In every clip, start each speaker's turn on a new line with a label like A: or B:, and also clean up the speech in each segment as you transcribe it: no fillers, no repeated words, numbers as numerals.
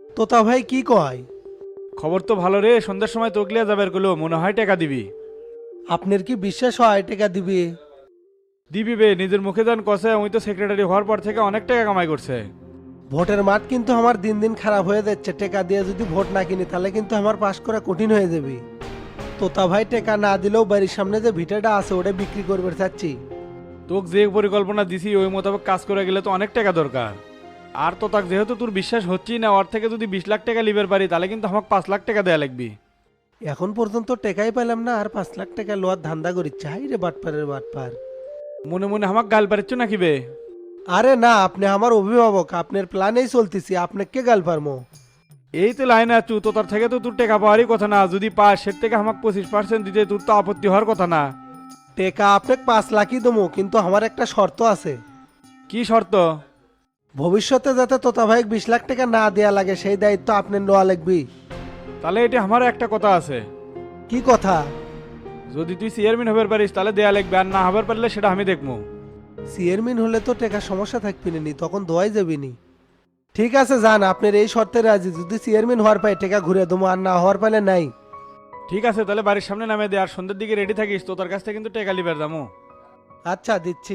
A: তোতা ভাই কি কয়?
B: খবর তো ভালো রে, সন্ধ্যার সময় তকলিয়া যাবার গুলো মনে হয় টাকা দিবি।
A: আপনার কি বিশ্বাস হয় টাকা দিবি?
B: দিবি বে, নিজের মুখে যান কষে ওই তো সেক্রেটারি হওয়ার পর থেকে অনেক টাকা কামাই করছে।
A: ভোটের মাঠ কিন্তু আমার দিন দিন খারাপ হয়ে যাচ্ছে, টাকা দিয়ে যদি ভোট না কিনি তাহলে কিন্তু আমার পাশ করা কঠিন হয়ে যাবে। তোতা ভাই টাকা না দিলেও বাড়ির সামনে যে ভিটাটা আছে ওটা বিক্রি করবে চাচ্ছি।
B: তোকে যে পরিকল্পনা দিছি ওই মোতাবেক কাজ করে গেলে তো অনেক টাকা দরকার। আর তো তাক যেহেতু তোর বিশ্বাস হচ্ছেই না, ওর থেকে যদি 20 লাখ টাকা লিবার পারি তাহলে কিন্তু আমাকে 5 লাখ টাকা দেয়া লাগবে।
A: এখন পর্যন্ত টাকাই পেলাম না, আর 5 লাখ টাকা লোয়ার ধান্দা করিচ্ছে। হাই রে বাটপারের বাটপার।
B: মনে মনে আমাকে গাল পারিচ্ছ নাকি বে?
A: আরে না, আপনি আমার অভিভাবক, আপনার প্ল্যানেই চলতেছি, আপনাকে কে গাল পারমো?
B: এই তো লাইনে আছু, তো তার থেকে তো তোর টাকা পাওয়ারই কথা না, যদি পাস সের থেকে আমাকে 25% দিতে তোর তো আপত্তি হওয়ার কথা না।
A: টাকা আপনাকে 5 লাখই দেবো, কিন্তু আমার একটা শর্ত আছে।
B: কি শর্ত?
A: ভবিষ্যতে যাতে তোতা ভাই 20 লাখ টাকা না দেয়া লাগে সেই দায়িত্ব আপনার নেওয়া লাগবে।
B: তাহলে এটি আমারও একটা কথা আছে।
A: কি কথা?
B: যদি তুই চেয়ারম্যান হবার পারিস তাহলে দেয়া লাগবে, আর না হবার পারলে সেটা আমি দেখবো।
A: চেয়ারম্যান হলে তো টাকা সমস্যা থাকবি নি, তখন দোয়াই যাবি নি। ঠিক আছে যান, আপনার এই শর্তে রাজি। যদি চেয়ারম্যান হওয়ার পাই টাকা ঘুরে দেবো, আর না হওয়ার পাইলে নাই।
B: ঠিক আছে, তাহলে বাড়ির সামনে নামে দে, আর সন্ধ্যের দিকে রেডি থাকিস, তো তার কাছ থেকে কিন্তু টাকা লিবার দামো।
A: আচ্ছা দিচ্ছি।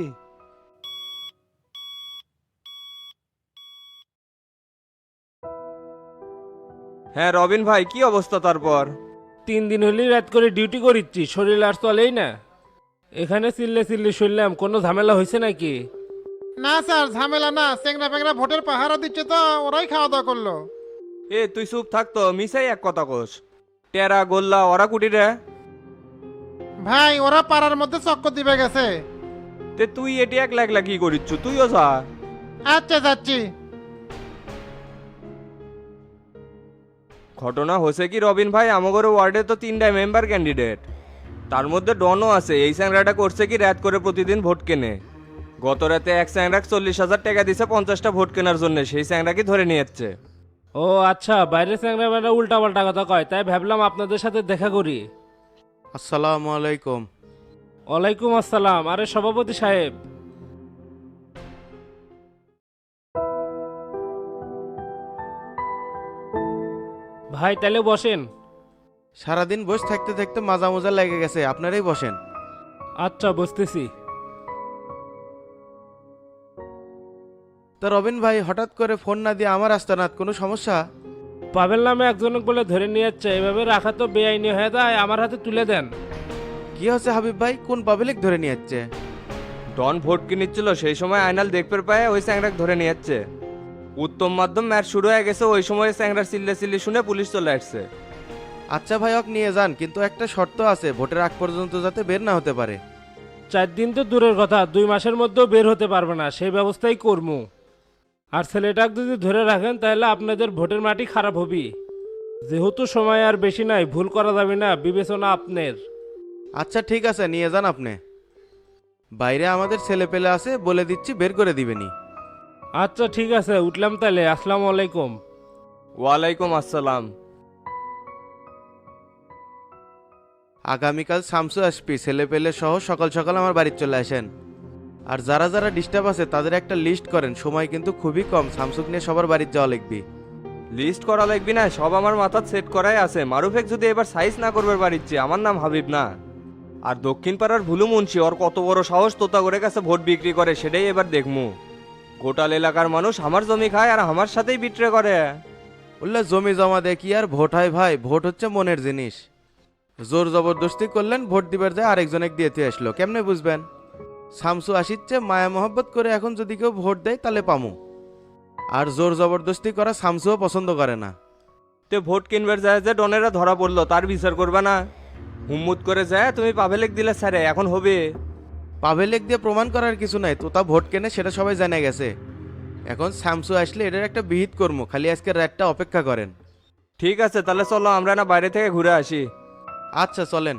C: হ্যাঁ রবিন ভাই, কি অবস্থা তারপর?
D: 3 দিন হলেই রাত করে ডিউটি করিচ্ছি, শরীর আর চলেই না। এখানে চিল্লে চিল্লে শুনলাম কোনো ঝামেলা হয়েছে নাকি?
E: না স্যার, ঝামেলা না, চেংরা পেংরা ভোটের পাহারা দিচ্ছে তো ওরাই খাওয়া দাওয়া করলো।
C: এ তুই চুপ থাকতো, মিসাই এক কথা কোস। টেরা গোল্লা ওরা কুটি রে?
E: ভাই ওরা পাড়ার মধ্যে চক্কর দিবে গেছে।
C: তে তুই এটি এক লাখ কি করিচ্ছু, তুইও যা।
E: আচ্ছা যাচ্ছি।
C: ঘটনা হয়েছে কি রবিন ভাই, আমাগর ওয়ার্ডে তো 3টা মেম্বার ক্যান্ডিডেট, তার মধ্যে ডনও আছে। এই স্যাংরাটা করছে কি রাত করে প্রতিদিন ভোট কেনে। গত রাতে এক স্যাংরাক 40,000 টাকা দিছে 50টা ভোট কেনার জন্য, সেই স্যাংরাকে ধরে নিয়ে যাচ্ছে।
D: ও আচ্ছা, বাইরে চ্যাংরা বেড়া উল্টা পাল্টা কথা কয়, তাই ভাবলাম আপনাদের সাথে দেখা করি।
F: আসসালামু আলাইকুম।
D: ওয়ালাইকুম আসসালাম। আরে সভাপতি সাহেব, ভাই তাহলে বসেন।
F: সারাদিন বসে থাকতে থাকতে মাজা মোজা লেগে গেছে, আপনারাই বসেন।
D: আচ্ছা বসতেছি।
F: তা রবিন ভাই হঠাৎ করে ফোন না দিয়ে আমার আস্তানাত, কোনো সমস্যা?
D: পাবেল নামে একজনক বলে ধরে নিয়ে যাচ্ছে, এভাবে রাখা তো বেআইনি হয়ে যায়, আমার হাতে তুলে দেন।
F: কি হচ্ছে হাবিব ভাই, কোন পাবলিক ধরে নিয়ে যাচ্ছে?
C: ডন ভোট কিনিচ্ছিল, সেই সময় আয়নাল দেখতে পায় ওই স্যাংরাক ধরে নিয়ে যাচ্ছে। উত্তম মাধ্যম ম্যাচ শুরু হয়ে গেছে, ওই সময় স্যাংরার চিল্লে চিল্লি শুনে পুলিশ চলে আসছে।
F: আচ্ছা ভাই ওকে নিয়ে যান, কিন্তু একটা শর্ত আছে, ভোটের আগ পর্যন্ত যাতে বের না হতে পারে।
D: 4 দিন তো দূরের কথা, 2 মাসের মধ্যেও বের হতে পারবে না, সেই ব্যবস্থাই করবো। আর ছেলেটাকে যদি ধরে রাখেন তাহলে আপনাদের ভোটের মাটি খারাপ হবে। যেহেতু সময় আর বেশি নাই, ভুল করা যাবে না, বিবেচনা আপনার।
F: আচ্ছা ঠিক আছে, নিয়ে যান আপনি। বাইরে আমাদের ছেলে পেলে আছে, বলে দিচ্ছি বের করে দিবেনি।
D: আচ্ছা ঠিক আছে, উঠলাম তাহলে, আসসালামু আলাইকুম।
C: ওয়ালাইকুম আসসালাম।
F: আগামীকাল শামসু আসবি, ছেলে পেলে সহ সকাল সকাল আমার বাড়িতে চলে আসেন। আর যারা যারা ডিস্টার্ব আছে তাদের একটা লিস্ট করেন, সময় কিন্তু খুবই কম, শামসুক নিয়ে সবার বাড়িতে যাওয়া লিখবি।
C: লিস্ট করা লাগবি না, সব আমার মাথার সেট করাই আছে। মারুফেক যদি এবার সাইজ না করবে বাড়িচ্ছে, আমার নাম হাবিব না। আর দক্ষিণ পাড়ার ভুলু মুন্সি, ওর কত বড় সাহস তোতা করে কাছে ভোট বিক্রি করে, সেটাই এবার দেখমু। গোটাল এলাকার মানুষ আমার জমি খায় আর আমার সাথেই বিট্রে করে।
F: বললে জমি জমা দিয়ে কি আর ভোট হয় ভাই, ভোট হচ্ছে মনের জিনিস। জোর জবরদস্তি করলেন, ভোট দিবার যায় আরেকজনে দিয়েতে আসলো, কেমনে বুঝবেন? শামসু আসিচ্ছে মায়া মহব্বত করে, এখন যদি কেউ ভোট দেয় তাহলে পামু। আর জোর জবরদস্তি করা শামসুও পছন্দ করে না।
C: তে ভোট কিনবার যায় যে ডনেরা ধরা পড়লো, তার বিচার করবে না? হুম্মুত করে যায় তুমি পাভেলেক দিলে স্যারে, এখন হবে?
F: পাভেলেক দিয়ে প্রমাণ করার কিছু নাই, তোতা ভোট কেনে সেটা সবাই জানা গেছে। এখন শামসু আসলে এটার একটা বিহিত কর্ম, খালি আজকে রাতটা অপেক্ষা করেন।
C: ঠিক আছে, তাহলে চলো আমরা না বাইরে থেকে ঘুরে আসি।
F: আচ্ছা চলেন।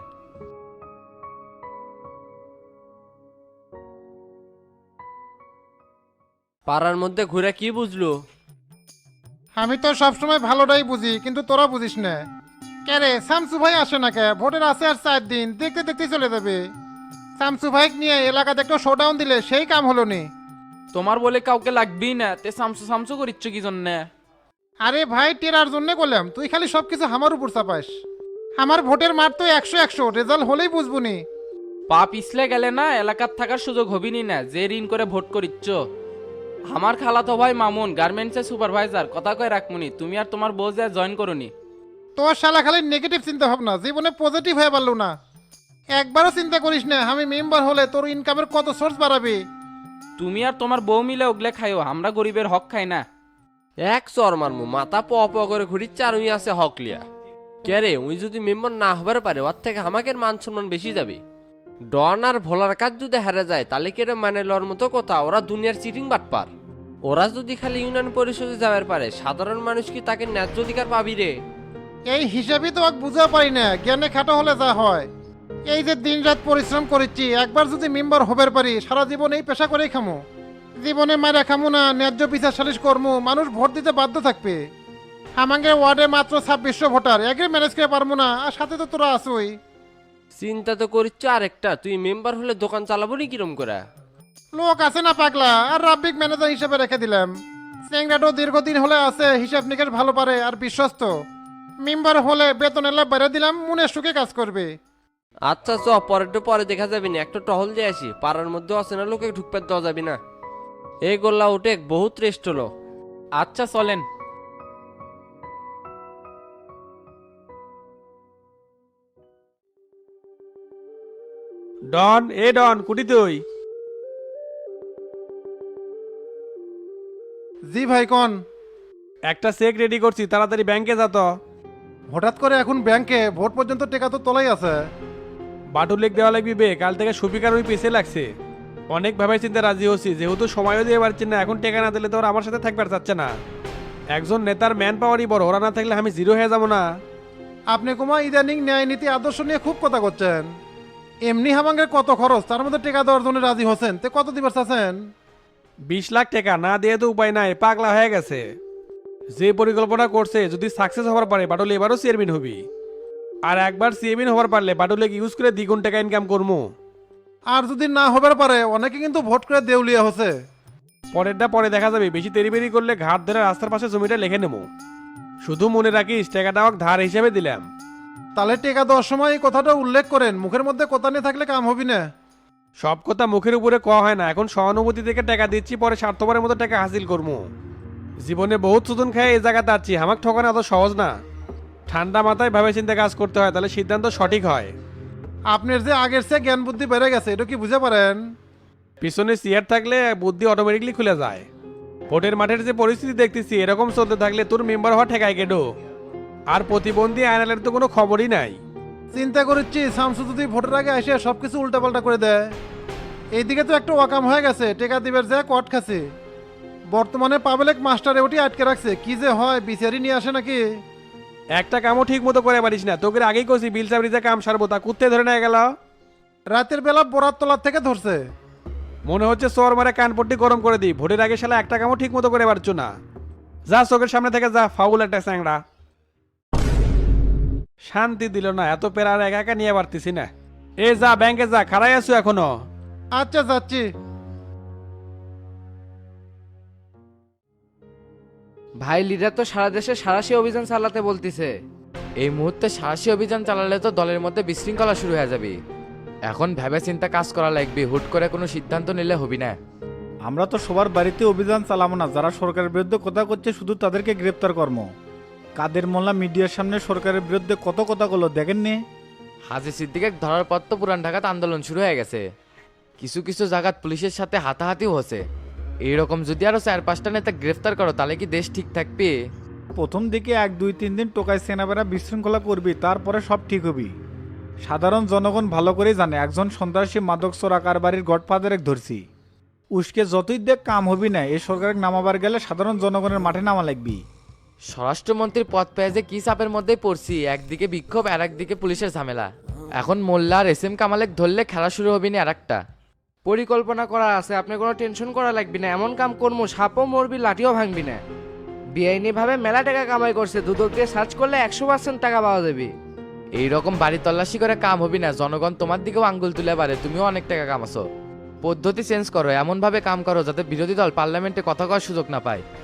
G: পাড়ার মধ্যে ঘুরে কি বুঝলো?
E: আমি তো সবসময় ভালোটাই বুঝি, কিন্তু তোরা বুঝিস না। কে রে, শামসু ভাই আসে না কে? ভোটের আছে আর 4 দিন, দেখতে দেখতে চলে যাবে। শামসু ভাই নিয়ে এলাকাতে একটু শোডাউন দিলে সেই কাম হলো নি।
G: তোমার বলে কাউকে লাগবেই না, তে সামসু সামসু করিচ্ছ কি জন্যে?
E: আরে ভাই টেরার জন্য বললাম, তুই খালি সবকিছু আমার উপর চাপাস। আমার ভোটের মার তো 100-100, রেজাল্ট হলেই বুঝবুনি।
H: পা পিছলে গেলে না এলাকার থাকার সুযোগ হবিনি না, যে ঋণ করে ভোট করিচ্ছ। আমার খালাতো ভাই মামুন গার্মেন্টসের সুপারভাইজার, কথা কয় রাখমুনি, তুমি আর তোমার বউ যা জয়েন করুনি।
E: তোর শালা খালি নেগেটিভ চিন্তা ভাবনা, জীবনে পজিটিভ হয়ে পারলো না। একবারও চিন্তা করিস না আমি মেম্বার হলে তোর ইনকামের কত সোর্স বাড়াবে।
H: তুমি আর তোমার বউ মিলে ওগলে খাইও, আমরা গরিবের হক খাই না।
G: এক চর মারমু, মাথা প প করে ঘুরিচ্ছে আর উই আছে হকলিয়া। কে রে, উই যদি মেম্বার না হবার পারে ওর থেকে আমাকে মান সম্মান বেশি যাবে। ডন আর ভোলার কাজ যদি হারে যায় তাহলে কেড়ে মানে লওয়ার মতো কথা, ওরা দুনিয়ার চিটিং বাটপার। ওরা যদি খালি ইউনিয়ন পরিষদে যাবার পারে, সাধারণ মানুষ কি তাকে ন্যায্য অধিকার পাবি রে?
E: এই হিসাবই তো বুঝা পারি না, জ্ঞানে খাটো হলে যা হয়। এই যে দিন রাত পরিশ্রম করেছি, একবার যদি মেম্বার হবার পারি সারা জীবন এই পেশা করেই খামো। জীবনে মারা খামো না, ন্যায্য বিচার সালিশ কর্ম, মানুষ ভোট দিতে বাধ্য থাকবে। আমাদের ওয়ার্ডে মাত্র 2600 ভোটার, একে ম্যানেজ করে পারবো না, আর সাথে তো তোরা আসোই।
G: চিন্তা তো করিচ্ছ আরেকটা, তুই মেম্বার হলে দোকান চালাবো নি কিরম করে?
E: লোক আছে না পাগলা, আর রাব্বিক ম্যানেজার হিসেবে রেখে দিলাম। চেংরাটো দীর্ঘদিন হলে আছে, হিসাব নিকেশ ভালো পারে আর বিশ্বস্ত। মেম্বার হলে বেতন এলা বেড়ে দিলাম, মনে সুখে কাজ করবে।
G: আচ্ছা চ, পরে দেখা যাবি না, একটা টহল দিয়ে আসি। পাড়ার মধ্যে অচেনা লোকে ঢুকতে দেওয়া যাবি না। এই গোল্লা উঠে বহুত রেস্ট হলো।
H: আচ্ছা চলেন।
B: ডন, এ ডন, কুটি তুই?
E: জি ভাই কোন?
B: একটা চেক রেডি করছি, তাড়াতাড়ি ব্যাংকে যা তো।
E: হঠাৎ করে এখন ব্যাংকে? ভোট পর্যন্ত টেকা তো তোলাই আছে।
B: বাটুলেক দেওয়া লাগবি বে, কাল থেকে সুপিকার ওই পিছে লাগছে। অনেক ভাবে চিন্তা রাজি হচ্ছি, যেহেতু সময়ও দিয়ে পারছি না, এখন টেকা না দিলে তো ওরা আমার সাথে থাকবার চাচ্ছে না। একজন নেতার ম্যান পাওয়ারই বড়, ওরা না থাকলে আমি জিরো হয়ে যাবো না।
E: আপনি কুমা ইদানিং ন্যায় নীতি আদর্শ নিয়ে খুব কথা করছেন। এমনি হামাঙ্গের কত খরচ, তার মধ্যে টেকা দেওয়ার জন্য রাজি হোসেন, তে কত দিবার চাচ্ছেন?
B: 20 লাখ টাকা না দিয়ে তো উপায় নাই, পাগলা হয়ে গেছে। যে পরিকল্পনা করছে যদি সাকসেস হবার পারে, বাটুল এবারও চেয়ারম্যান হবি। আর একবার চেয়ারম্যান হবার পারলে বাটুলেক ইউজ করে দ্বিগুণ টাকা ইনকাম করবো।
E: আর যদি না হবার পারে, অনেকে কিন্তু ভোট করে দেউলিয়া হচ্ছে।
B: পরেরটা পরে দেখা যাবে, বেশি তেরিবেরি করলে ঘাট ধরে রাস্তার পাশে জমিটা লিখে নেবো। শুধু মনে রাখিস টাকাটা আমাকে ধার হিসেবে দিলাম।
E: তাহলে টেকা দেওয়ার সময় এই কথাটা উল্লেখ করেন, মুখের মধ্যে কথা নিয়ে থাকলে কাম হবি না।
B: সব কথা মুখের উপরে কওয়া হয় না, এখন সহানুভূতি থেকে টাকা দিচ্ছি, পরে স্বার্থপরের মতো টাকা হাসিল করবো। জীবনে বহুত সুদন খায় এই জায়গাতে আছি, আমাকে ঠকানো এত সহজ না। ঠান্ডা মাথায় ভাবে চিন্তা কাজ করতে হয়, তাহলে সিদ্ধান্ত সঠিক হয়।
E: আপনার যে আগের চেয়ে জ্ঞান বুদ্ধি বেড়ে গেছে, এটা কি বুঝতে পারেন?
B: পিছনে চেয়ার থাকলে বুদ্ধি অটোমেটিকলি খুলে যায়। ভোটের মাঠের যে পরিস্থিতি দেখতেছি, এরকম চলতে থাকলে তোর মেম্বার হওয়া ঠেকায় কেডো। আর প্রতিবন্ধী আইনালের তো কোনো খবরই নাই।
E: চিন্তা করছি শামসু যদি ভোটের আগে এসে সবকিছু উল্টাপাল্টা করে দেয়। এইদিকে তো একটা ওয়াকাম হয়ে গেছে, টেকা দিবের যে কট খাচ্ছে। বর্তমানে পাবলিক মাস্টারে ওটি আটকে রাখছে, কি যে হয় বিচারি নিয়ে আসে নাকি।
B: একটা কামও ঠিক মতো করে পারিস না, তোকে আগেই কছি বিল চাবরি যে কাম সারবো, তা কুত্তে ধরে নিয়ে গেল।
E: রাতের বেলা বরাত তলার থেকে ধরছে।
B: মনে হচ্ছে চোর মারে কানপট্টি গরম করে দিই। ভোটের আগে শালা একটা কামও ঠিক মতো করে পারছো না। যা চোখের সামনে থেকে যা, ফাউল একটা চ্যাংড়া। শান্তি দিল না, এত পেরার একা একা নিয়ে পারতেছি না। এ যা ব্যাংকে যা, খাড়াই আছো এখনো?
E: আচ্ছা যাচ্ছি।
I: ভাই লিডার তো সারা দেশে সাঁড়াশি অভিযান চালাতে বলতিছে। এই মুহূর্তে সাঁড়াশি অভিযান চালালে তো দলের মধ্যে বিশৃঙ্খলা শুরু হয়ে যাবে। এখন ভেবে চিন্তা কাজ করা লাগবে, হুট করে কোনো সিদ্ধান্ত নিলে হবি না।
J: আমরা তো সবার বাড়িতে অভিযান চালাবো না, যারা সরকারের বিরুদ্ধে কথা করছে শুধু তাদেরকে গ্রেপ্তার কর্ম। কাদের মোল্লা মিডিয়ার সামনে সরকারের বিরুদ্ধে কত কথা বললো দেখেননি?
I: হাজি সিদ্দিকে ধরার পর তো পুরান ঢাকাত আন্দোলন শুরু হয়ে গেছে। কিছু কিছু জায়গাত পুলিশের সাথে হাতাহাতিও হচ্ছে। এইরকম যদি আরো 4-5টা নেতা গ্রেফতার করো তাহলে কি দেশ ঠিক থাকবে?
J: প্রথম দিকে 1-2-3 দিন টোকাই সেনাবেরা বিশৃঙ্খলা করবি, তারপরে সব ঠিক হবি। সাধারণ জনগণ ভালো করেই জানে একজন সন্ত্রাসী মাদক চোরা কারবারির গডফাদারে ধরছি। উস্কে যতই দেখ কাম হবি না, এই সরকারের নামাবার গেলে সাধারণ জনগণের মাঠে নামা লাগবি।
I: স্বরাষ্ট্রমন্ত্রীর পদ পেয়ে যে কি চাপের মধ্যেই পড়ছি, একদিকে বিক্ষোভ আর একদিকে পুলিশের ঝামেলা। এখন মোল্লা আর এসএম কামালেক ধরলে খেলা শুরু হবি না। আর একটা
G: পরিকল্পনা করা আছে, আপনি কোনো টেনশন করা লাগবে না। এমন কাম করবো সাপও মরবি লাঠিও ভাঙবি না। বেআইনি ভাবে মেলা টাকা কামাই করছে, দুদক দিয়ে সার্চ করলে 100% টাকা পাওয়া যাবে।
I: এইরকম বাড়ি তল্লাশি করে কাম হবি না, জনগণ তোমার দিকেও আঙ্গুল তুলে পারে তুমিও অনেক টাকা কামাছো। পদ্ধতি চেঞ্জ করো, এমন ভাবে কাম করো যাতে বিরোধী দল পার্লামেন্টে কথা কওয়ার সুযোগ না পায়।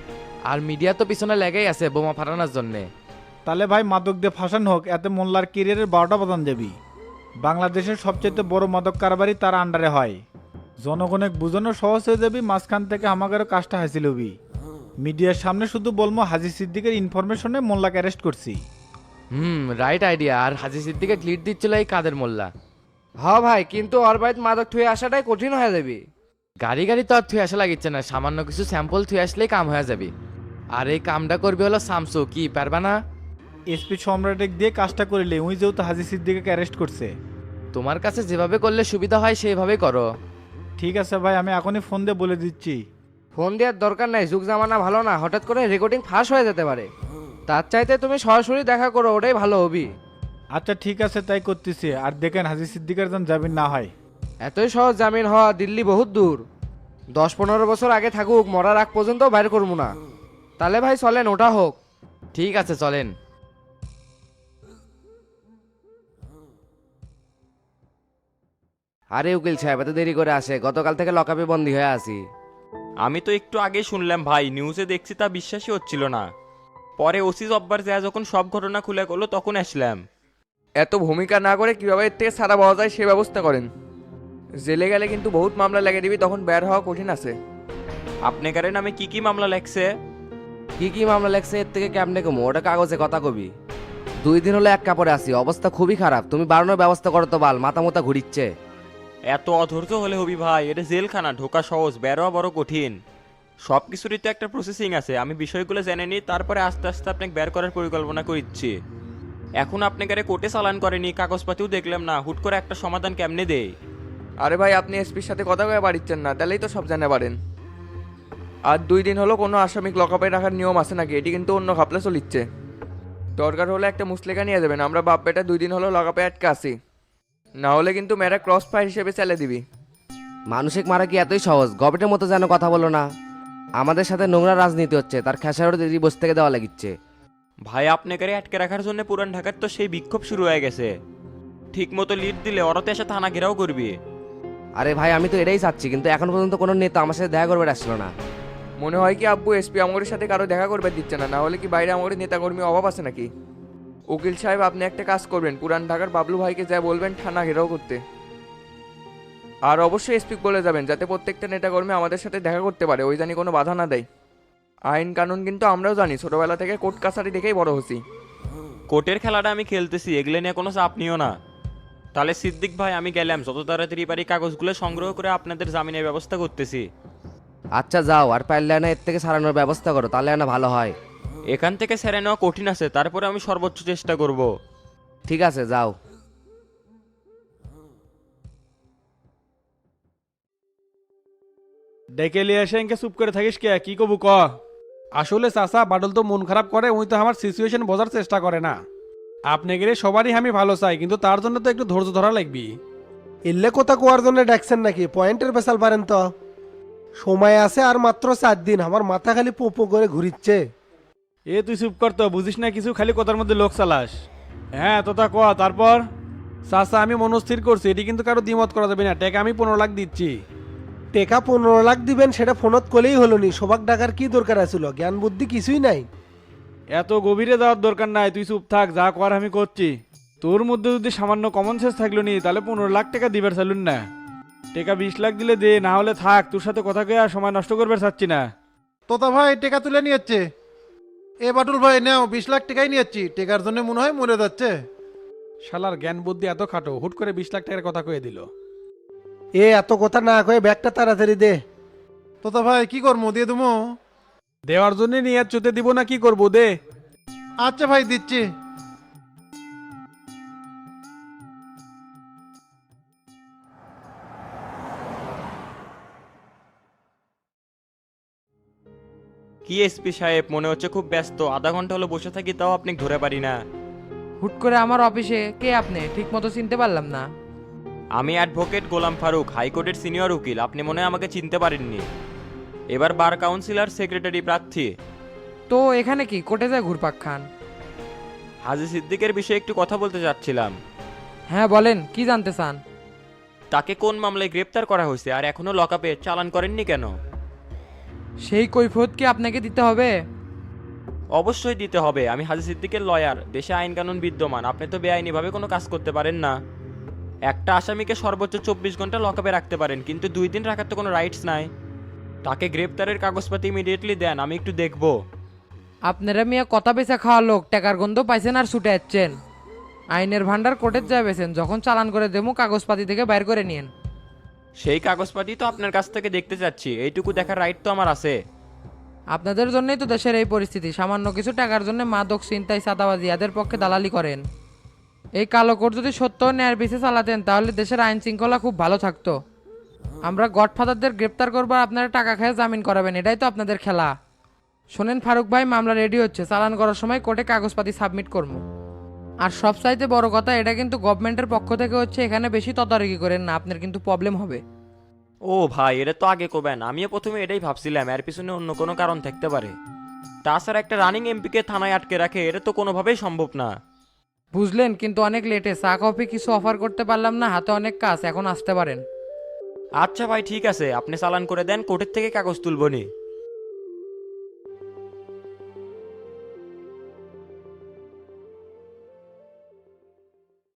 I: আর মিডিয়া তো পিছনে লেগেই আছে বোমা ফাটানোর জন্যে।
J: তাহলে ভাই মাদক দিয়ে ফাঁসানো হোক, এতে মোল্লার কেরিয়ারের 12টা বাজান যাবি। বাংলাদেশের সবচেয়ে বড় মাদক কারবারই তার আন্ডারে হয়। জনগণের বুঝানো সহজ হয়ে যাবি, মাঝখান থেকে আমাদেরও কাজটা হাসিল হবি। মিডিয়ার সামনে শুধু বলবো হাজি সিদ্দিকের ইনফরমেশনে মোল্লাকে অ্যারেস্ট করছি।
I: Right idea. আর হাজি সিদ্দিকে লিড দিচ্ছিল এই কাদের মোল্লা।
K: হ ভাই, কিন্তু ওর বাড়িতে মাদক থুয়ে আসাটাই কঠিন হয়ে যাবে।
I: গাড়ি গাড়ি তো আর থুয়ে আসা লাগিচ্ছে না, সামান্য কিছু স্যাম্পল থুয়ে আসলেই কাম হয়ে যাবে। আর এই কামটা করবে হলো শামসু, কি পারবা না?
J: এসপি সম্রাটেক দিয়ে কাজটা করিলে উই যেহেতু হাজি সিদ্দিকে অ্যারেস্ট করছে।
I: তোমার কাছে যেভাবে করলে সুবিধা হয় সেইভাবেই করো।
J: ঠিক আছে ভাই, আমি এখনই ফোন দিয়ে বলে দিচ্ছি।
K: ফোন দেওয়ার দরকার নাই, যুগ জামানা ভালো না, হঠাৎ করে রেকর্ডিং ফাঁস হয়ে যেতে পারে। তার চাইতে তুমি সরাসরি দেখা করো, ওটাই ভালো হবি।
J: আচ্ছা ঠিক আছে, তাই করতেছি। আর দেখেন হাজি সিদ্দিকের যেন জামিন না হয়।
K: এতই সহজ জামিন হওয়া? দিল্লি বহুত দূর, 10-15 বছর আগে থাকুক, মরার আগ পর্যন্ত বাইর করবো না। তাহলে ভাই চলেন, ওটা হোক।
I: ঠিক আছে চলেন।
K: আরে উকিল সাহেব, এত দেরি করে আসে? গতকাল থেকে লকআপে বন্দী হয়ে আছি।
C: আমি তো একটু আগে শুনলাম ভাই, নিউজে দেখছি, তা বিশ্বাসই হচ্ছিল না। পরে ওসি জব্বার যায় যখন সব ঘটনা খুলে করলো তখন আসলাম।
K: এত ভূমিকা না করে কিভাবে এর থেকে ছাড়া পাওয়া যায় সে ব্যবস্থা করেন। জেলে গেলে কিন্তু বহুত মামলা লাগিয়ে দিবি, তখন বের হওয়া কঠিন আছে।
C: আপনার নামে কি কি মামলা লাগছে?
K: কি কি মামলা লাগছে এর থেকে কেমনে কমো? ওটা কাগজে কথা কবি। 2 দিন হলো এক কাপড়ে আছি, অবস্থা খুবই খারাপ। তুমি বাড়ানোর ব্যবস্থা করো তো বাল, মাথা মোতা ঘুরিচ্ছে।
C: এত অধৈর্য হলে হবি ভাই? এটা জেলখানা, ঢোকা সহজ, বেরোয়া বড় কঠিন। সব কিছুরই তো একটা প্রসেসিং আছে। আমি বিষয়গুলো জেনে নিই, তারপরে আস্তে আস্তে আপনাকে বের করার পরিকল্পনা করছি। এখন আপনাকে কোর্টে চালান করেনি, কাগজপাতিও দেখলাম না, হুট করে একটা সমাধান কেমনে দেয়?
K: আরে ভাই, আপনি এসপির সাথে কথা কয়ে বাড়িচ্ছেন না, তাহলেই তো সব জানা পারেন। আর 2 দিন হলো কোনো আসামিক লকআপে রাখার নিয়ম আছে নাকি? এটি কিন্তু অন্য খাপলে চলিচ্ছে। দরকার হলে একটা মুসলেখা নিয়ে যাবেন, আমরা বাপ বেটা 2 দিন হলো লকআপে আটকে আছি। না হলে কিন্তু মেয়েরা ক্রস ফায়ার হিসেবে চালিয়ে দিবি।
L: মানুষিক মারা কি এতই সহজ? গবেটের মতো যেন কথা বলো না। আমাদের সাথে নোংরা রাজনীতি হচ্ছে, তার খেসারও দিদি বসে থেকে দেওয়া লাগিচ্ছে।
C: ভাই আপনাকে আটকে রাখার জন্য পুরান ঢাকার তো সেই বিক্ষোভ শুরু হয়ে গেছে। ঠিক মতো লিড দিলে ওরাতে এসে থানা ঘেরাও করবি।
L: আরে ভাই, আমি তো এটাই চাচ্ছি, কিন্তু এখন পর্যন্ত কোনো নেতা আমার সাথে দেখা করবে আসলো না।
K: মনে হয় কি আব্বু এসপি আমাদের সাথে কারো দেখা করবে দিচ্ছে না? না হলে কি বাইরে আমাদের নেতাকর্মী অভাব আছে নাকি? উকিল সাহেব, আপনি একটা কাজ করবেন, পুরান ঢাকার বাবলু ভাইকে যা বলবেন থানা ঘেরাও করতে। আর অবশ্যই এসপি বলে যাবেন যাতে প্রত্যেকটা নেতাকর্মী আমাদের সাথে দেখা করতে পারে, ওই জানি কোনো বাধা না দেয়। আইন কানুন কিন্তু আমরাও জানি, ছোটবেলা থেকে কোর্ট কাছারি দেখেই বড় হচ্ছি।
C: কোর্টের খেলাটা আমি খেলতেছি, এগুলো নিয়ে কোনো চাপ নিও না। তাহলে সিদ্দিক ভাই, আমি গেলাম, যত তাড়াতাড়ি পারি কাগজগুলো সংগ্রহ করে আপনাদের জামিনের ব্যবস্থা করতেছি।
L: আচ্ছা যাও, আর পারলে না এর থেকে সারানোর ব্যবস্থা করো, তাহলে না ভালো হয়।
C: এখান থেকে সেরে নেওয়া কঠিন আছে, তারপরে আমি সর্বোচ্চ চেষ্টা করব।
L: ঠিক আছে যাও।
J: ডেকে লিয়ে এসে এনকে চুপ করে থাকিস কে? কি কবু ক?
B: আসলে চাচা, বাদল তো মন খারাপ করে, উনি তো আমার সিচুয়েশন বোঝার চেষ্টা করে না। আপনাকে সবারই আমি ভালো চাই, কিন্তু তার জন্য তো একটু ধৈর্য ধরা লাগবে।
A: এলে কথা কোয়ার জন্য ডাকছেন নাকি? পয়েন্টের বেসাল পারেন তো। সময় আছে আর মাত্র 4 দিন, আমার মাথা খালি পোপো করে ঘুরিচ্ছে।
J: এ তুই চুপ কর তো, বুঝিস না কিছু, খালি কথার মধ্যে লোক চালাস। হ্যাঁ তোতা ক, তারপর?
B: চাচা, আমি মনস্থির করছি, এটি কিন্তু কারো দ্বিমত করা যাবে না। টাকা আমি 15 লাখ দিচ্ছি।
A: টেকা 15 লাখ দিবেন, সেটা ফোনত কলেই হলো নি। সবাক ডাকার কি দরকার আছিল? জ্ঞান বুদ্ধি কিছুই নাই।
J: এত গভীরে যাওয়ার দরকার নাই, তুই চুপ থাক, যা কর আমি করছি। তোর মধ্যে যদি সামান্য কমন সেন্স থাকলো নি, তাহলে 15 লাখ টাকা দিবার চালুন না। টাকা 20 লাখ দিলে দে, না হলে থাক, তোর সাথে কথা কয়ে আর সময় নষ্ট করবার চাচ্ছি না।
E: তোতা ভাই টেকা তুলে নিয়েছে। এ বাটুল ভাই নাও, 20 লাখ টাকাই নিয়েছি। টেকার জন্য মনে হয় মরে যাচ্ছে।
B: শালার জ্ঞান বুদ্ধি এত খাটো, হুট করে 20 লাখ টাকার কথা কয়ে দিল।
A: এত কথা না কয়ে ব্যাগটা তাড়াতাড়ি দে।
E: তোতা ভাই কি করবো? দিয়ে দেবো?
B: দেওয়ার জন্য নিয়ে চুতে দিব না, কি করবো? দে।
E: আচ্ছা ভাই, দিচ্ছি।
C: কি এসপি সাহেব, মনে হচ্ছে খুব ব্যস্ত। আধা ঘন্টা হলো বসে থাকি, তাও আপনি ধরে পারি না।
K: হুট করে আমার অফিসে কে আপনি? ঠিক মতো চিনতে পারলাম না।
C: আমি অ্যাডভোকেট গোলাম ফারুক, হাইকোর্টের সিনিয়র উকিল। আপনি মনে হয় আমাকে চিনতে পারেননি। এবার বার কাউন্সিলর সেক্রেটারি প্রার্থী।
K: তো এখানে কি কোর্টে যায় ঘুরপাক খান?
C: হাজি সিদ্দিকের বিষয়ে একটু কথা বলতে চাচ্ছিলাম।
K: হ্যাঁ বলেন, কি জানতে চান?
C: তাকে কোন মামলায় গ্রেপ্তার করা হয়েছে, আর এখনো লকআপে চালান করেননি কেন?
K: সেই কৈফিয়ত কি আপনাকে দিতে হবে?
H: অবশ্যই দিতে হবে, আমি হাজি সিদ্দিকের লয়ার, দেশে আইন কানুন বিদ্যমান, আপনি তো বেআইনিভাবে কোনো কাজ করতে পারেন না। একটা আসামিকে সর্বোচ্চ 24 ঘন্টা লকআপে রাখতে পারেন, কিন্তু 2 দিন রাখার তো কোনো রাইটস নাই। তাকে গ্রেপ্তারের কাগজপাতি ইমিডিয়েটলি দেন, আমি একটু দেখব।
I: আপনারা মিয়া কথা বেচা খাওয়া লোক, টাকার গন্ধ পাইছেন আর ছুটে যাচ্ছেন। আইনের ভান্ডার কোর্টের যায় বেছেন, যখন চালান করে দেবো কাগজপাতি থেকে বাইর করে নিয়েন।
H: সেই কাগজপাতি তো আপনার কাছ থেকে দেখতে চাচ্ছি, এইটুকু দেখার রাইট তো আমার আছে।
I: আপনাদের জন্যই তো দেশের এই পরিস্থিতি, সামান্য কিছু টাকার জন্য মাদক ছিনতাই চাঁদাবাজি এদের পক্ষে দালালি করেন। এই কালো কোট যদি সত্য ন্যায়ের পিছে চালাতেন তাহলে দেশের আইন শৃঙ্খলা খুব ভালো থাকতো। আমরা গডফাদারদের গ্রেপ্তার করবো আর আপনারা টাকা খেয়ে জামিন করাবেন, এটাই তো আপনাদের খেলা। শোনেন ফারুক ভাই, মামলা রেডি হচ্ছে, চালান করার সময় কোর্টে কাগজপাতি সাবমিট করবো। আর সবচাইতে বড় কথা, এটা কিন্তু গভর্নমেন্টের পক্ষ থেকে হচ্ছে, এখানে বেশি তদারকি করেন না, আপনার কিন্তু প্রবলেম হবে।
H: ও ভাই, এটা তো আগে করবেন, আমিও প্রথমে এটাই ভাবছিলাম, এর পিছনে অন্য কোনো কারণ থাকতে পারে। তাছাড়া একটা রানিং এমপিকে থানায় আটকে রাখে, এটা তো কোনোভাবেই সম্ভব না।
I: বুঝলেন, কিন্তু অনেক লেটে, চা কফি কিছু অফার করতে পারলাম না, হাতে অনেক কাজ, এখন আসতে পারেন।
H: আচ্ছা ভাই, ঠিক আছে, আপনি চালান করে দেন, কোর্টের থেকে কাগজ তুলবনি।